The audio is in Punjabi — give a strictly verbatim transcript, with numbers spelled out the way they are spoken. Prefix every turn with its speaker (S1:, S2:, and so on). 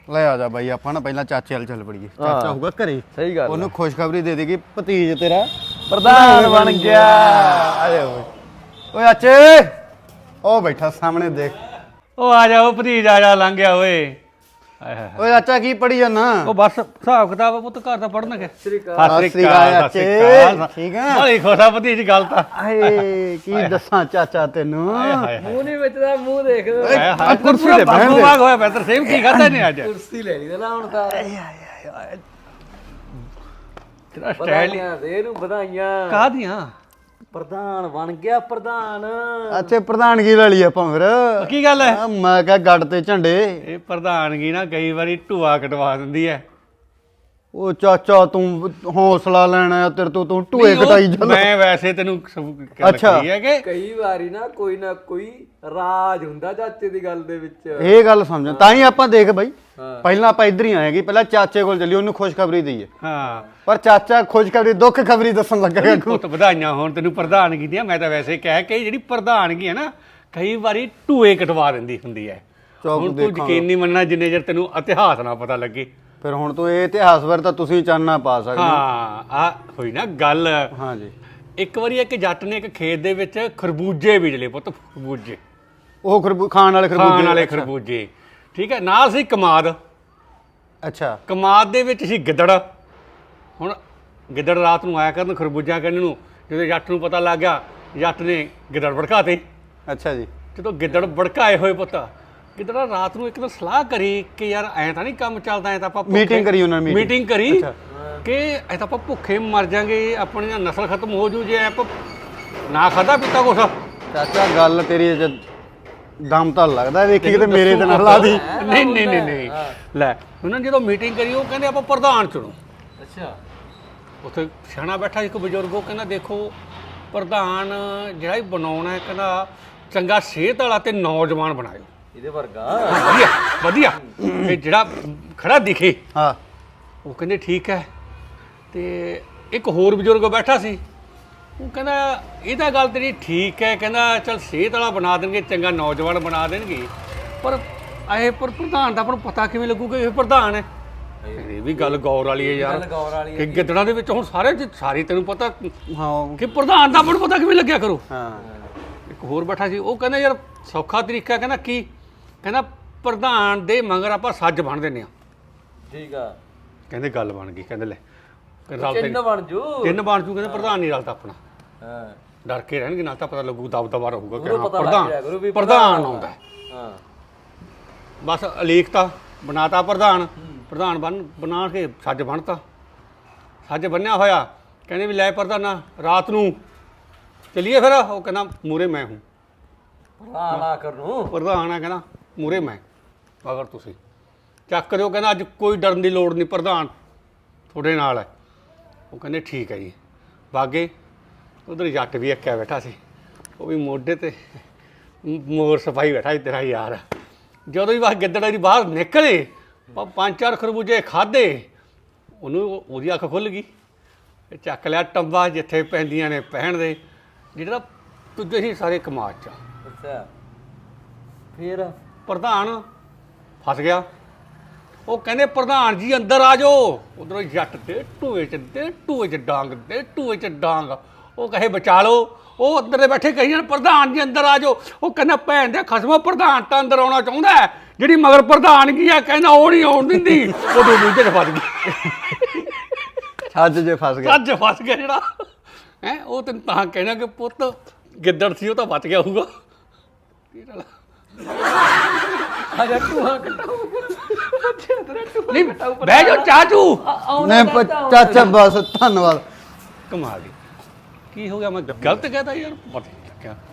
S1: ਲੈ ਆ ਜਾ ਬਾਈ ਆਪਾਂ ਨਾ ਪਹਿਲਾਂ ਚਾਚੇ ਵਾਲ ਚੱਲ ਪੜੀਏ ਚਾਚਾ ਹੋਊਗਾ ਘਰੇ
S2: ਸਹੀ ਗੱਲ
S1: ਉਹਨੂੰ ਖੁਸ਼ਖਬਰੀ ਦੇ ਦੇਗੀ ਭਤੀਜ ਤੇਰਾ
S2: ਪ੍ਰਧਾਨ ਬਣ ਗਿਆ
S1: ਆਏ ਓਏ ਓਏ ਚਾਚੇ ਉਹ ਬੈਠਾ ਸਾਹਮਣੇ ਦੇਖ
S3: ਉਹ ਆ ਜਾ ਉਹ ਭਤੀਜ ਆ ਜਾ ਲੰਘ ਗਿਆ ਓਏ ਹਾਏ ਹਾਏ
S1: ਓਏ ਚਾਚਾ ਕੀ ਪੜੀ ਜਾਨਾ
S3: ਉਹ ਬਸ ਹਿਸਾਬ ਕਿਤਾਬ ਪੁੱਤ ਘਰ ਦਾ ਪੜਨ ਕੇ
S2: ਸ੍ਰੀ ਅਕਾਲ
S1: ਸਤਿ ਸ੍ਰੀ ਅਕਾਲ ਚਾਚੇ ਠੀਕ ਆ
S3: ਬੜੀ ਖੁਸ਼ਾ ਭਤੀਜ ਗੱਲ ਤਾਂ
S1: ਆਏ ਕੀ ਦੱਸਾਂ ਚਾਚਾ ਤੈਨੂੰ
S3: ਹਾਏ ਹਾਏ
S2: ਮੂੰਹ ਨਹੀਂ ਵਿੱਚਦਾ ਮੂੰਹ ਦੇਖ
S3: ਹਾਏ ਹਾਏ
S1: ਕੁਰਸੀ
S3: ਕੁਰਸੀ
S1: ਤੇ ਬਹਿਣ ਦੇ।
S3: ਬਾਗ ਹੋਇਆ ਬੈਤਰ ਸੇਮ ਕੀ ਖਾਦਾ ਨੇ ਅੱਜ
S2: ਕੁਰਸੀ ਲੈ ਲਈ ਨਾ ਹੁਣ ਤਾਂ
S3: ਤੇਰਾ ਸਟਾਈਲ
S2: ਵਧਾਈਆਂ ਦੇ ਇਹਨੂੰ ਵਧਾਈਆਂ
S3: ਕਾਹਦੀਆਂ
S2: ਪ੍ਰਧਾਨ ਬਣ ਗਿਆ ਪ੍ਰਧਾਨ
S1: ਅੱਛੇ ਪ੍ਰਧਾਨਗੀ ਲੈ ਲਈ ਆਪਾਂ ਫਿਰ
S3: ਕੀ ਗੱਲ ਹੈ
S1: ਆ, ਮੈਂ ਕਿਹਾ ਗੱਡ ਤੇ ਝੰਡੇ
S3: ਇਹ ਪ੍ਰਧਾਨਗੀ ਨਾ ਕਈ ਵਾਰੀ ਢੂਆ ਕਟਵਾ ਦਿੰਦੀ ਹੈ
S1: ਉਹ ਚਾਚਾ ਤੂੰ ਹੌਸਲਾ ਲੈਣਾ ਤੇਰੇ ਤੋਂ ਤੂੰ ਢੂਏ
S3: ਨਹੀਂ, ਉਹ
S1: ਕਟਾਈ ਚੱਲ
S3: ਮੈਂ ਵੈਸੇ ਤੈਨੂੰ ਸਭ ਗੱਲ
S1: ਅੱਛਾ।
S3: ਕਹੀ ਹੈ ਕਿ
S2: ਕਈ ਵਾਰੀ ਨਾ ਕੋਈ ਨਾ ਕੋਈ ਰਾਜ ਹੁੰਦਾ ਚਾਚੇ ਦੀ ਗੱਲ ਦੇ ਵਿੱਚ
S1: ਇਹ ਗੱਲ ਸਮਝ ਤਾਂ ਹੀ ਆਪਾਂ ਦੇਖ ਬਾਈ
S2: ਹਾਂ।
S1: ਪਹਿਲਾਂ ਆਪਾਂ ਇੱਧਰ ਹੀ ਆਏਗੀ ਪਹਿਲਾਂ ਚਾਚੇ ਕੋਲ ਚੱਲੀ ਉਹਨੂੰ ਖੁਸ਼ਖਬਰੀ ਦਈਏ
S3: ਹਾਂ
S1: ਪਰ ਚਾਚਾ ਖੁਸ਼ਖਬਰੀ ਦੁੱਖ ਖਬਰੀ ਦੱਸਣ ਲੱਗਾ
S3: ਪੁੱਤ ਵਧਾਈਆਂ ਹੋਣ ਤੈਨੂੰ ਪ੍ਰਧਾਨਗੀ ਦੀਆਂ ਮੈਂ ਤਾਂ ਵੈਸੇ ਕਹਿ ਕੇ ਜਿਹੜੀ ਪ੍ਰਧਾਨਗੀ ਹੈ ਨਾ ਕਈ ਵਾਰੀ ਢੂਏ ਕਟਵਾ ਦਿੰਦੀ ਹੁੰਦੀ ਹੈ
S1: ਚੁੱਪ
S3: ਹੁਣ ਤੂੰ
S1: ਦੇਖਾਂਗਾ।
S3: ਯਕੀਨ ਨਹੀਂ ਮੰਨਣਾ ਜਿੰਨੇ ਚਿਰ ਤੈਨੂੰ ਇਤਿਹਾਸ ਨਾ ਪਤਾ ਲੱਗੇ
S1: ਫਿਰ ਹੁਣ ਤੂੰ ਇਹ ਇਤਿਹਾਸ ਬਾਰੇ ਤਾਂ ਤੁਸੀਂ ਚਾਨਣਾ ਪਾ ਸਕਦੇ ਹੋ।
S3: ਹਾਂ ਆ ਹੋਈ ਨਾ ਗੱਲ
S1: ਹਾਂਜੀ
S3: ਇੱਕ ਵਾਰੀ ਇੱਕ ਜੱਟ ਨੇ ਇੱਕ ਖੇਤ ਦੇ ਵਿੱਚ ਖਰਬੂਜੇ ਬੀਜ ਲਏ ਪੁੱਤ ਖਰਬੂਜੇ
S1: ਉਹ ਖਰਬੂ ਖਾਣ ਵਾਲੇ ਖਰਬੂਜੇ
S3: ਖਾਣ ਵਾਲੇ ਖਰਬੂਜੇ ਠੀਕ ਹੈ ਨਾਲ ਸੀ ਕਮਾਦ
S1: ਅੱਛਾ
S3: ਕਮਾਦ ਦੇ ਵਿੱਚ ਸੀ ਗਿੱਦੜ ਹੁਣ ਗਿੱਦੜ ਰਾਤ ਨੂੰ ਆਇਆ ਕਰਨ ਖਰਬੂਜਾ ਕਰਨ ਨੂੰ ਜਦੋਂ ਜੱਟ ਨੂੰ ਪਤਾ ਲੱਗ ਗਿਆ ਜੱਟ ਨੇ ਗਿੱਦੜ ਭੜਕਾਤੇ
S1: ਅੱਛਾ ਜੀ
S3: ਜਦੋਂ ਗਿੱਦੜ ਭੜਕਾਏ ਹੋਏ ਪੁੱਤ ਗਿੱਦੜਾ ਰਾਤ ਨੂੰ ਇੱਕ ਦਿਨ ਸਲਾਹ ਕਰੀ ਕਿ ਯਾਰ ਐਂ ਤਾਂ ਨਹੀਂ ਕੰਮ ਚੱਲਦਾ ਐਂ ਤਾਂ ਆਪਾਂ ਭੁੱਖੇ-
S1: Meeting ਕਰੀ ਉਹਨਾਂ ਨੇ, meeting।
S3: ਮੀਟਿੰਗ ਕਰੀ
S1: ਅੱਛਾ।
S3: ਕਿ ਐਂ ਤਾਂ ਆਪਾਂ ਭੁੱਖੇ ਮਰ ਜਾਾਂਗੇ ਆਪਣੀ ਨਸਲ ਖਤਮ ਹੋ ਜੂ ਜੇ ਆਪਾਂ ਨਾ ਖਾਦਾ ਪੀਤਾ ਕੁਛ
S1: ਚਾਚਾ ਗੱਲ ਤੇਰੀ ਅਜੇ ਦਮ ਤਾਂ ਲੱਗਦਾ ਵੇਖੀ ਕਿਤੇ ਮੇਰੇ ਤੇ ਨਾ ਲਾ ਦੀ
S3: ਨਹੀਂ ਨਹੀਂ ਨਹੀਂ ਨਹੀਂ ਲੈ ਉਹਨਾਂ ਨੇ ਜਦੋਂ ਮੀਟਿੰਗ ਕਰੀ ਉਹ ਕਹਿੰਦੇ ਆਪਾਂ ਪ੍ਰਧਾਨ ਚੁਣੋ
S2: ਅੱਛਾ
S3: ਉੱਥੇ ਸਿਆਣਾ ਬੈਠਾ ਇੱਕ ਬਜ਼ੁਰਗ ਉਹ ਕਹਿੰਦਾ ਦੇਖੋ ਪ੍ਰਧਾਨ ਜਿਹੜਾ ਹੀ ਬਣਾਉਣਾ ਹੈ ਕਹਿੰਦਾ ਚੰਗਾ ਸਿਹਤ ਵਾਲਾ ਤੇ ਨੌਜਵਾਨ ਬਣਾਇਓ
S2: ਇਹਦੇ ਵਰਗਾ
S3: ਵਧੀਆ ਵਧੀਆ ਇਹ ਜਿਹੜਾ ਖੜਾ ਦਿਖੇ
S1: ਹਾਂ
S3: ਉਹ ਕਹਿੰਦੇ ਠੀਕ ਹੈ ਤੇ ਇੱਕ ਹੋਰ ਬਜ਼ੁਰਗ ਬੈਠਾ ਸੀ ਉਹ ਕਹਿੰਦਾ ਇਹ ਤਾਂ ਗੱਲ ਤੇਰੀ ਠੀਕ ਹੈ ਕਹਿੰਦਾ ਚਲ ਸਿਹਤ ਵਾਲਾ ਬਣਾ ਦੇਣਗੇ ਚੰਗਾ ਨੌਜਵਾਨ ਬਣਾ ਦੇਣਗੇ ਪਰ ਇਹ ਪਰ ਪ੍ਰਧਾਨ ਦਾ ਆਪਾਂ ਨੂੰ ਪਤਾ ਕਿਵੇਂ ਲੱਗੂਗਾ ਇਹ ਪ੍ਰਧਾਨ ਹੈ ਇਹ ਵੀ ਗੱਲ ਗੌਰ ਵਾਲੀ ਹੈ ਯਾਰ
S2: ਗੱਲ ਗੌਰ ਵਾਲੀ
S3: ਕਿ ਗਿੱਦੜਾਂ ਦੇ ਵਿੱਚ ਹੁਣ ਸਾਰੇ ਸਾਰੀ ਤੈਨੂੰ ਪਤਾ
S1: ਹਾਂ
S3: ਕਿ ਪ੍ਰਧਾਨ ਦਾ ਆਪਾਂ ਨੂੰ ਪਤਾ ਕਿਵੇਂ ਲੱਗਿਆ ਕਰੋ
S1: ਹਾਂ
S3: ਇੱਕ ਹੋਰ ਬੈਠਾ ਸੀ ਉਹ ਕਹਿੰਦਾ ਯਾਰ ਸੌਖਾ ਤਰੀਕਾ ਕਹਿੰਦਾ ਕੀ ਕਹਿੰਦਾ ਪ੍ਰਧਾਨ ਦੇ ਮਗਰ ਆਪਾਂ ਸੱਜ ਬਣ ਦਿੰਦੇ ਆ
S2: ਠੀਕ ਆ
S3: ਕਹਿੰਦੇ ਗੱਲ ਬਣ ਗਈ ਕਹਿੰਦੇ ਲੈ ਰਲ ਤੇ
S2: ਚਿੰਨ ਬਣ ਜੂ
S3: ਤਿੰਨ ਬਣ ਜੂ ਕਹਿੰਦੇ ਪ੍ਰਧਾਨ ਨਹੀਂ ਰਲਦਾ ਆਪਣਾ
S2: ਹਾਂ
S3: ਡਰ ਕੇ ਰਹਿਣਗੇ ਨਾਲ ਤਾਂ ਪਤਾ ਲੱਗੂ ਦਬ ਦਬਾ ਰਹੂਗਾ ਕਿ
S2: ਗੁਰੂ
S3: ਹਾਂ
S2: ਪਤਾ ਲੱਗ ਜਾਇਆ ਗੁਰੂ ਵੀ
S3: ਪ੍ਰਧਾਨ ਪ੍ਰਧਾਨ ਆਉਂਦਾ ਹੈ।
S2: ਹਾਂ
S3: ਬਸ ਅਲੀਖਤਾ ਬਣਾਤਾ ਪ੍ਰਧਾਨ ਪ੍ਰਧਾਨ ਬਣ ਬਣਾ ਕੇ ਸੱਜ ਬਣਤਾ ਸੱਜ ਬੰਨਿਆ ਹੋਇਆ ਕਹਿੰਦੇ ਵੀ ਲੈ ਪ੍ਰਧਾਨਾ ਰਾਤ ਨੂੰ ਚਲਿਏ ਫਿਰ ਉਹ ਕਹਿੰਦਾ ਮੂਰੇ ਮੈਂ ਹੂੰ
S2: ਪ੍ਰਧਾਨ ਆ ਕਰ ਨੂੰ
S3: ਪ੍ਰਧਾਨ ਆ ਕਹਿੰਦਾ ਮੂਰੇ ਮੈਂ ਅਗਰ ਤੁਸੀਂ ਚੱਕ ਦਿਓ ਕਹਿੰਦਾ ਅੱਜ ਕੋਈ ਡਰਨ ਦੀ ਲੋੜ ਨਹੀਂ ਪ੍ਰਧਾਨ ਤੁਹਾਡੇ ਨਾਲ ਹੈ ਉਹ ਕਹਿੰਦੇ ਠੀਕ ਹੈ ਜੀ ਬਾਗੇ ਉਧਰ ਜੱਟ ਵੀ ਅੱਕਿਆ ਬੈਠਾ ਸੀ ਉਹ ਵੀ ਮੋਢੇ ਤੇ ਮੋਰ ਸਫਾਈ ਬੈਠਾ ਸੀ ਤੇਰਾ ਯਾਰ ਜਦੋਂ ਹੀ ਬਾਹਰ ਗਿੱਦੜ ਦੀ ਬਾਹਰ ਨਿਕਲੇ ਪ- ਪੰਜ ਚਾਰ ਖਰਬੂਜੇ ਖਾਦੇ ਉਹਨੂੰ ਉਹਦੀ ਅੱਖ ਖੁੱਲ ਗਈ ਇਹ ਚੱਕ ਲਿਆ ਟੰਬਾ ਜਿੱਥੇ ਪੈਂਦੀਆਂ ਨੇ ਪਹਿਣ ਦੇ ਜਿਹੜਾ ਤੁੱਜੇ ਸੀ ਸਾਰੇ ਕਮਾਦ 'ਚ
S2: ਅੱਛਾ ਫੇਰ
S3: ਪ੍ਰਧਾਨ ਫਸ ਗਿਆ ਉਹ ਕਹਿੰਦੇ ਪ੍ਰਧਾਨ ਜੀ ਅੰਦਰ ਆ ਜਾਓ ਉਧਰੋਂ ਜੱਟ ਤੇ ਟੂਏ ਚ ਦੇ ਟੂਏ ਚ ਡਾਂਗ ਦੇ ਟੂਏ ਚ ਡਾਂਗ ਉਹ ਕਹੇ ਬਚਾ ਲਓ ਉਹ ਅੰਦਰ ਦੇ ਬੈਠੇ ਕਹੀ ਜਾਣ ਪ੍ਰਧਾਨ ਜੀ ਅੰਦਰ ਆ ਜਾਓ ਉਹ ਕਹਿੰਦਾ ਭੈਣ ਦੇ ਖਸਮੋ ਪ੍ਰਧਾਨ ਤਾਂ ਅੰਦਰ ਆਉਣਾ ਚਾਹੁੰਦਾ ਹੈ ਜਿਹੜੀ ਮਗਰ ਪ੍ਰਧਾਨਗੀ ਆ ਕਹਿੰਦਾ ਉਹ ਨਹੀਂ ਆਉਣ ਦਿੰਦੀ ਉਹ ਦੋ ਦੂਜੇ ਚ ਫਸ ਗਈ
S1: ਛੱਜ ਜੇ ਫਸ ਗਿਆ
S3: ਅੱਜ ਫਸ ਗਿਆ ਜਿਹੜਾ ਹੈ ਉਹ ਤੈਨੂੰ ਤਾਂ ਕਹਿਣਾ ਕਿ ਪੁੱਤ ਗਿੱਦੜ ਸੀ ਉਹ ਤਾਂ ਬਚ ਗਿਆ ਹੋਊਗਾ
S2: ਆ ਜਾ ਤੂੰ ਆ ਕੱਟੋ
S3: ਨਹੀਂ ਬਹਿ ਜਾਓ ਚਾਚੂ
S1: ਨਹੀਂ ਪ- ਚਾਚਾ ਬਸ ਧੰਨਵਾਦ
S3: ਕਮਾਲ ਦੀ ਕੀ ਹੋ ਗਿਆ ਮੈਂ ਗਲਤ ਕਹਿਤਾ ਯਾਰ ਪਤਾ ਨਹੀਂ ਲੱਗਿਆ